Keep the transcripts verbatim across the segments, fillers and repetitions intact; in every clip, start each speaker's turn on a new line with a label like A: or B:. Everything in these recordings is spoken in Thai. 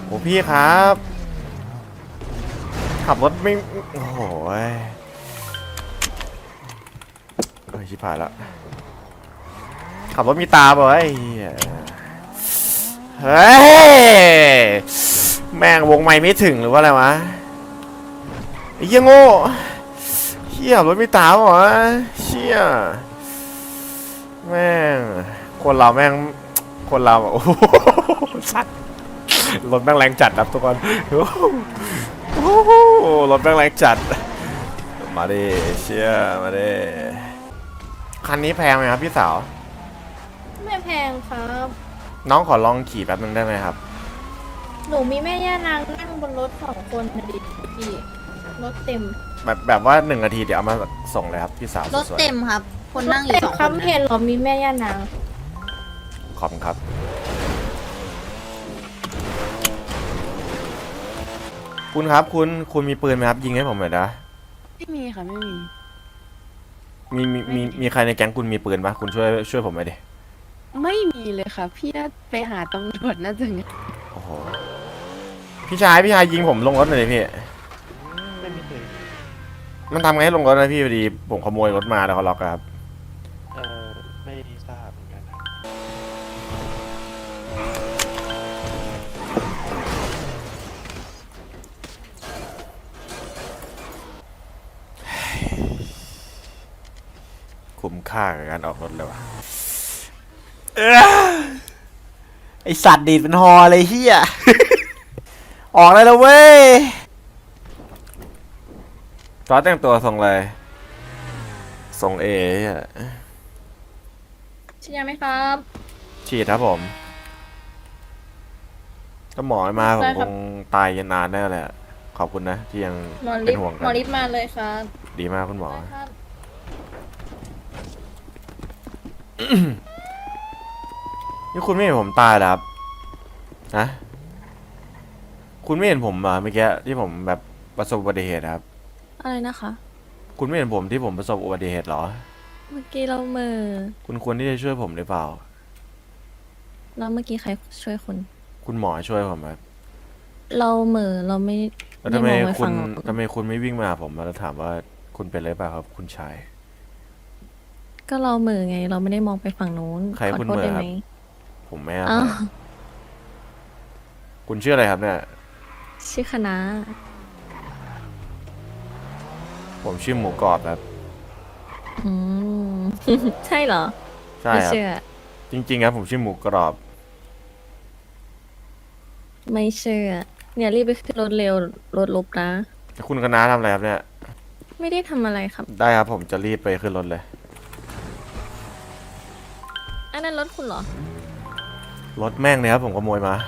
A: โอ้พี่ครับขับรถไม่โอ้โหเอ้ยชิบหายแล้วขับรถมีตาบ่ไอ้เฮ้ยแม่งวงไม่ไม่ถึงหรือว่าอะไรวะไอ้เหี้ยโง่เหี้ยรถมีตาบ่วะเชี่ยแม่งคนเราแม่งคนเราโอ้โหสัตว์รถแม่งแรงจัดครับทุกคนโอ้โหรถแม่งแรงจัดมาดิเชี่ยมาดิคันนี้แพงไหมครับพี่สาว
B: ไม่แพงครับ
A: น้องขอลองขี่แป๊บนึงได้ไหมครับ
B: หนูมีแม่ย่านางนั่งบนรถสองคนนะดิพี่รถเต็ม
A: แบบแบบว่าหนึ่งนาทีเดี๋ยวเอามาส่งเลยครับพี่สาว
C: รถเต็มครับคนนั่งอยู่สองคน
B: เห็นหรอมีแม่ย่านาง
A: ขอบคุณครับคุณครับคุณคุณมีปืนไหมครับยิงให้ผมหน่อยนะ
D: ไม่มีค่ะไม่มี
A: มีมีมีมีใครในแก๊งคุณมีปืนปะคุณช่วยช่วยผมหน่อยดิ
D: ไม่มีเลยค่ะพี่น่าไปหาตำรวจน่าจะไง
A: โอ้โหพี่ชายพี่ชายยิงผมลงรถหน่อยดิพี่
E: ไม่มีปืน
A: มันทำไงให้ลงรถนะพี่พอดีผมขโมยรถมาแล้วเขาล็อกครับ
E: เออไม่ทราบเหมือนกันครับ
A: คุ้มค่ากับการออกรถเลยวะไอสัตว์ดีดเป็นฮอเลยเฮียออกเลยแล้วเว้ยซอสแต่งตัวส่งเลยส่งเอ
B: ฉีดยาไหมครับ
A: ฉีดครับผมก็หมอมาผมคงตายยันนานแน่เลยขอบคุณนะที่ยังเป็นห่วงกัน
B: หมอริบมาเลยครับ
A: ดีมากคุณหมอนี่คุณไม่เห็นผมตายแล้วครับนะคุณไม่เห็นผมอ่ะเมื่อกี้ที่ผมแบบประสบอุบัติเหตุครับ
C: อะไรนะคะ
A: คุณไม่เห็นผมที่ผมประสบอุบัติเหตุหรอ
C: เมื่อกี้เราเมื่อ
A: คุณควรที่จะช่วยผมหรือเปล่า
C: แล้วเมื่อกี้ใครช่วยคุณ
A: คุณหมอช่วยผมครับ
C: เราเมื่อเราไม่
A: แล้วทำไมคุณทำไมคุณไม่วิ่งมาผมแล้วถามว่าคุณเป็นอะไรเปล่าครับคุณชาย
C: ก็เราเมื่อไงเราไม่ได้มองไปฝั่งนู้น
A: ใครคุณเมื่อครับผมไม่ครับคุณชื่ออะไรครับเนี่ย
C: ชื่อคณะ
A: ผมชื่อหมูกรอบครับ
C: อืมใช่เหรอ
A: ใช่ครับจริงๆครับผมชื่อหมูกรอบ
C: ไม่เชื่อเนี่ยรีบไปขึ้นรถเร็วรถลบนะ
A: คุณคณะทำอะไรครับเนี่ย
C: ไม่ได้ทำอะไรครับ
A: ได้ครับผมจะรีบไปขึ้นรถเลย
C: อันนั้นรถคุณเหรอ
A: รถแม่งเนี่ยครับผมขโมยมา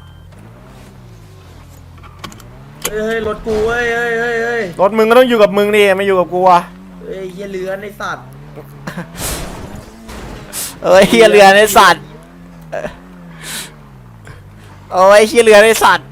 F: เฮ้ยรถกูเฮ้ยเฮ้ยเฮ้ยเฮ้ย
A: รถมึงก็ต้องอยู่กับมึงดิไม่อยู่กับกูอะ
F: เฮ้ยเฮียเรือนไอสัตว์
A: เอ้ยเฮียเรือนไอสัตว์โอ้ยเฮียเรือนไอสัตว์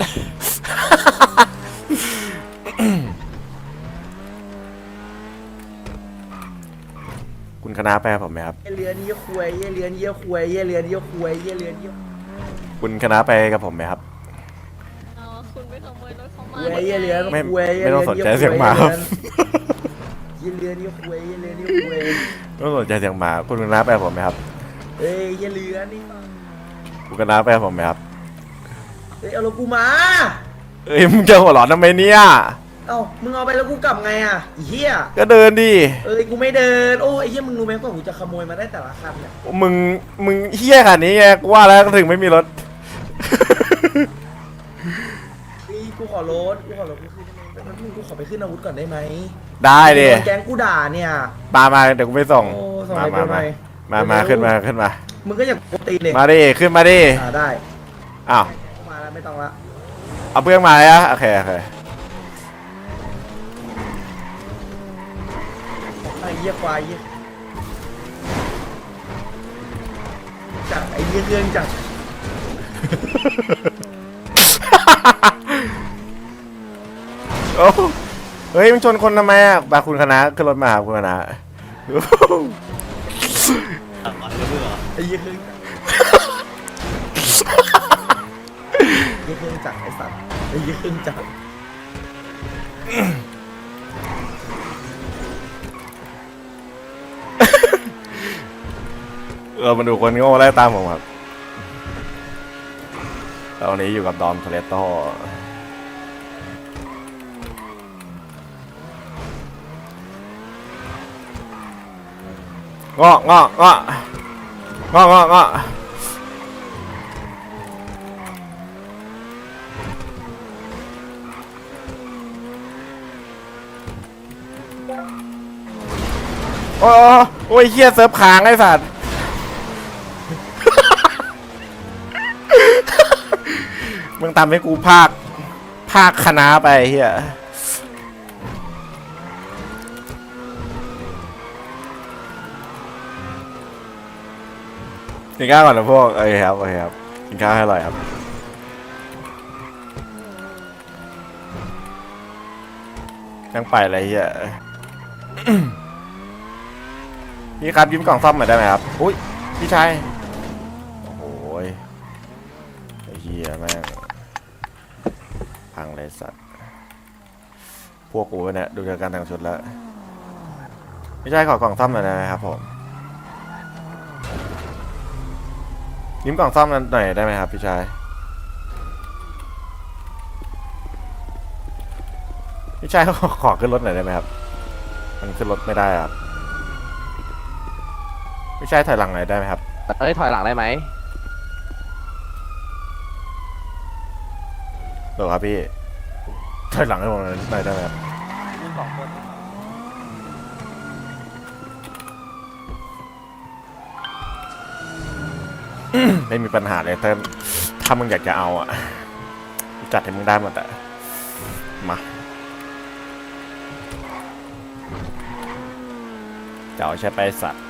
A: คุณคณะแปลผมไหมครับ
F: เฮียเรือนเฮียควยเฮียเรือนเฮียควยเฮียเรือนเฮียควยเฮียเรือนเฮีย
A: คุณคณะไปกับผมไหมครับ
C: คุณไปขโมยรถเขามา
F: เฮียเรือน
A: ไม่ไม่ต้องสนใจเสียงหมาครับ
F: เฮียเรือนเฮียควยเฮียเรือนเฮียควย
A: ไม่ต้องสนใจเสียงหมาคุณคณะไปกับผมไหมครับ
F: เฮ้ยเฮียเรือนนี่
A: คุณคณะไปกับผมไหมครับ
F: เฮ้ยเอารถกูมา
A: เอ้ยมึงจะหัวหลอนทำไมเนี่ย
F: เอ้ามึงเอาไปแล้วกูกลับไงอ่ะเฮีย
A: ก็เดินดิ
F: เอ้ยกูไม่เดินโอ้ยเฮียมึงรู้ไหมว่ากูจะขโมยมาได้แต่ละคันเนี่ย
A: มึงมึงเฮี้ยขนาดนี้ไงกูว่าแล้วก็ถึงไม่มีรถ
F: นี่กูขอรถกูขอรถกูขึ้นได้ไหมมึงกูขอไปขึ้นอาวุธก่อนได้ไหม
A: ได้ดิ
F: แก๊งกูด่าเนี่ย
A: มามาเดี๋ยวกูไปส่ง
F: มามามา
A: มามาขึ้นมาขึ้นมา
F: มึงก็อยากตีเลย
A: มาดิขึ้นมาดิ
F: อ่าได้
A: อ้าว
F: มาแล้วไม่ต้องละ
A: เอาเพื่อนมาเลยอะโอเคโอเค
F: ไอ้เหี้ยควายเหี้ยจัดไอ้เหี้ยเรื่องจัด
A: โอ้เฮ้ยมึงชนคนทำไมอ่ะบาคุณคณะขึ้นรถมาครับคุณคณะ
F: ไอ้เหี้ยเรื่องยี่เครื่องจักรไอ้สัตว์ไอ้ยี่เครื่องจักร
A: เออมาดูคนโง่ไล่ตามผมครับแล้ววันนี้อยู่กับดอมโทเลโต้งอกงอกงอกงอกงอกงอกโอ้ยโอ้ยเฮียเซิร์ฟค้างไอ้สัตว์ มึงทำให้กูภาคภาคคณะไปเฮียกินข้าวก่อนนะพวกโอเคครับโอเคครับกินข้าวให้อร่อยครับยังไปอะไรเฮีย พี่ครับยิ้มกล่องซ่อมหน่อยได้ไหมครับอุ้ยพี่ชายโอ้โหไอ้เฮียแม่งพังเลยสัตว์พวกกูเนี่ยดูจากการแต่งชุดแล้วพี่ชายขอกล่องซ่อมหน่อยได้ไหมครับผมยิ้มกล่องซ่อมหน่อยได้ไหมครับพี่ชายพี่ชายขอขอขึ้นรถหน่อยได้ไหมครับมันขึ้นรถไม่ได้ครับพี่ชายถอยหลังหน่อยได้ไหมครับ
E: เอ้ยถอยหลังได้ไหม
A: เดี๋ยวครับพี่ถอยหลังให้ผมหน่อยได้ไหมครับไม่มีปัญหาเลยแต่ถ้ามึงอยากจะเอาอ่ะจัดให้มึงได้หมดอ่ะมาจะเอาใช้ไปสัตว์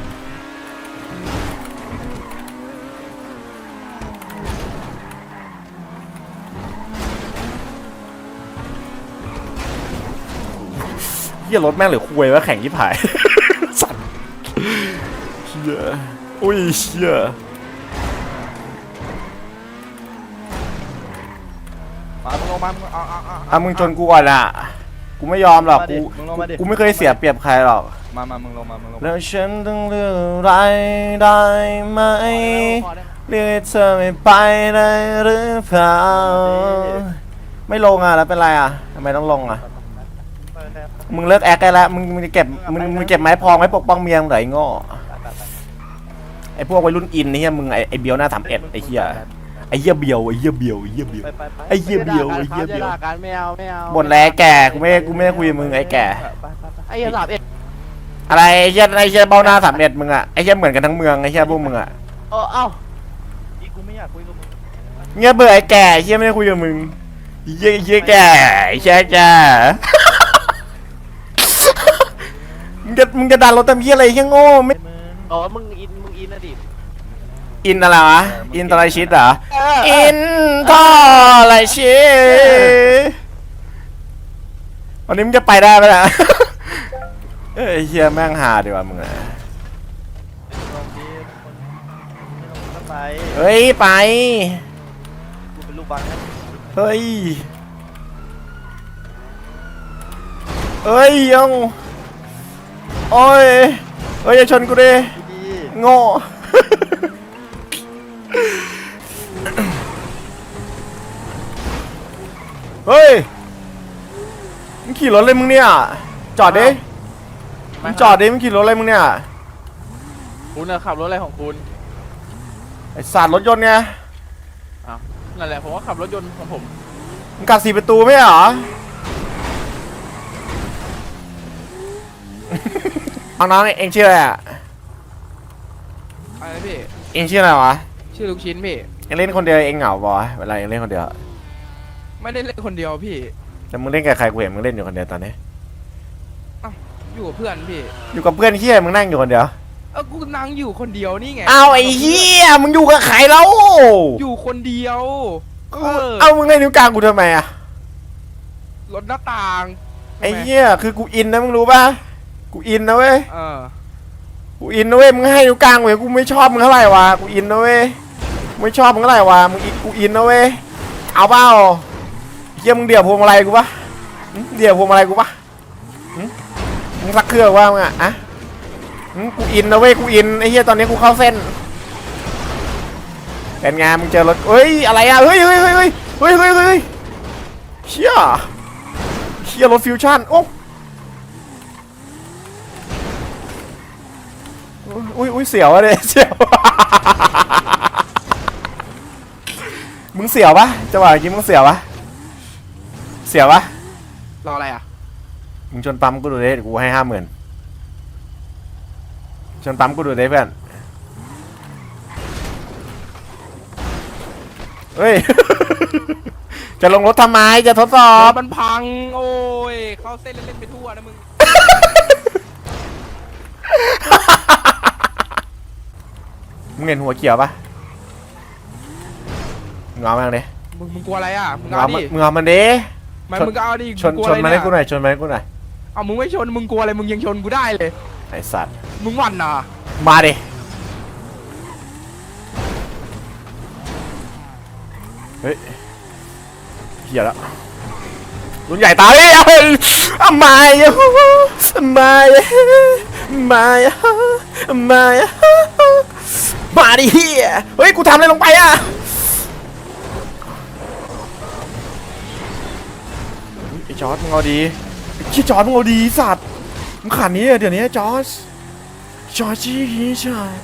A: เฮียรถแม่งหรือคุยว่าแข่งยี่ผาย สัตว์เฮียอุ้ยเฮีย
E: มามึงลงมามึงเอาเอาเอา
A: อ่ะมึงจนกูก่อนอ่ะกูไม่ยอมหรอกกูกูไม่เคยเสียเปรียบใครหรอก
E: มามามึงลงมามึงลงมา
A: แล้วฉันต้องเลือกอะไรได้ไหมเรียกเธอไม่ไปได้หรือเปล่าไม่ลงอ่ะแล้วเป็นไรอ่ะทำไมต้องลงอ่ะมึงเลิกแอคได้แล้วมึงมึงจะเก็บมึงมึงเก็บไม้พองไว้ปกป้องเมียมึงเหรอไอ้โง่ไอ้พวกวัยรุ่นอินนี่เฮียมึงไอ้ไอ้เบียวหน้าสามเอ็ดไอ้เฮียไอ้เฮียเบียวไอ้เฮียเบียวไอ้เฮียเบียวไอ้เฮียเบียวไอ้เฮียเบียว
E: การไม่เอาไม่เอา
A: บ่นแล้วแก่กูไม่กูไม่ได้คุยกับมึงไอ้แก่
E: ไอ้เหี้ยสามเอ็ด
A: อะไรไอ้เฮียไอ้เฮียเบ้าหน้าสามเอ็ดมึงอ่ะไอ้เฮียเหมือนกันทั้งเมืองไอ้เฮียพวกมึงอ่ะ
E: เออเอ้าอีกูไม่อยากคุยกับมึง
A: เงี้ยเบื่อไอ้แก่ไอ้เฮียไม่ได้คุยกับมึงไอ้เฮียไอ้เฮียแก่ไอ้เฮียแก่มึงจะมึงจะดันรถทำเฮียอะไรเฮียโง่ไม่
E: อ๋อมึงอินมึงอินนะดิ
A: อินอะไรวะอินทอร์ชิตเหรออินทอร์ชิตวันนี้มึงจะไปได้ไหมล่ะ เอ้ยเฮียแม่งหาดีกว่ามึงอะ
E: ลงดิคนไม่ลงก็ไป
A: เฮ้ยไป
E: กูเป็นลูกบอลนะ
A: เฮ้ยเฮ้ยยังโอ้ยเฮ้ยอย่าชนกูดิ
E: ดี
A: โง่ เฮ้ยมึงขี่รถเลยมึงเนี่ยจอดดิมึงจอดดิมึงขี่รถอะไรมึงเนี่ย
E: คุณนะขับรถอะไรของคุณ
A: ไอ้สารรถยนต์ไง
E: อ้าวนั่นแหละผมก็ขับรถยนต์ของผม
A: มึงกัดสี่ประตูไม่เหรอ เอาน้องเองชื่ออะไรอ่ะ
E: อะไรพี่
A: เองชื่ออะไรวะ
E: ชื่อลูกชิ้นพี่
A: เองเล่นคนเดียวเองเหงาปะวะเวลาเองเล่นคนเดียว
E: ไม่ได้เล่นคนเดียวพี่
A: แต่มึงเล่นกับใครกูเห็นมึงเล่นอยู่คนเดียวตอนนี้
E: อยู่กับเพื่อนพี่
A: อยู่กับเพื่อนเฮียมึงนั่งอยู่คนเดียว
E: เออกูนั่งอยู่คนเดียวนี่ไง
A: เอาไอ้เฮียมึงอยู่กับใครแล้ว
E: อยู่คนเดียว เออ
A: เอามึงเล่นนิ้วกลางกูทำไมอะ
E: รถหน้าต่าง
A: ไอ้เฮียคือกูอินนะมึงรู้ปะกูอินนะเว้ย
E: เออ
A: กูอินนะเว้ยมึงให้นิ้วกลางเว้ยกูไม่ชอบมึงเท่าไหร่วะกูอินนะเว้ยไม่ชอบมึงเท่าไหร่วะมึงอินกูอินนะเว้ยเอาเปล่าเยี่ยมึงเดี่ยวพวงมาลัยกูปะหึเดี่ยวพวงมาลัยกูปะหึมึงสักเครื่องว่ามึงอะอะหึกูอินนะเว้ยกูอินไอ้เหี้ยตอนนี้กูเข้าเส้นเป็นไงมึงเจอรถเฮ้ยอะไรอะเฮ้ยเฮ้ยเฮ้ยเฮ้ยเฮ้ยเฮ้ยเฮ้ยเชี่ยเชี่ยรถฟิวชั่นโอ้อุ้ยอุ้ยเสียวอะเนี่ยเสียวมึงเสียวปะจังหวะเมื่อกี้มึงเสียวปะเสียวปะ
E: รออะไรอ่ะ
A: มึงชนปั๊มกูดูดิเดี๋ยวกูให้ห้าหมื่นชนปั๊มกูดูดิเพื่อนเฮ้ย จะลงรถทำไมจะทดสอ
E: ร
A: บ
E: ถมันพัง โอ้ย เข้าเส้นเล่นๆไปทั่วนะมึง
A: มึงเห็นหัวเขียวปะมึงเอามันดิ
E: มึงมึงกลัวอะไรอ่ะ มึ
A: มึ
E: ง
A: ง
E: เอา
A: เอามัน
E: ดิ
A: มึงเอามันดิ
E: ไม่มึงก็เอาดิ
A: ชน
E: มึงกลัว
A: ช
E: อะ
A: น
E: ไร
A: มา
E: เนี่
A: ให้กูหน่อยชนมาให้กูหน่อย
E: เอามึงไม่ชน มึงกลัวอะไร มึงยังชนกูได้เลย
A: ไอสัตว์
E: มึงหวั่นน่ะ
A: มาดิเฮ้ยเหี้ยแล้วรุ่นใหญ่ตายเอ้ยทำไมอะทำไมอะทำไมอะทำไมอะมาดิเฮียเฮ้ยกูทำอะไรลงไปอะไอ้จอร์ดมึงเอาดีไอ้ชี้จอร์ดมึงเอาดีสัตว์มึงขันนี้เดี๋ยวนี้จอร์ดจอร์จี้ฮีชาย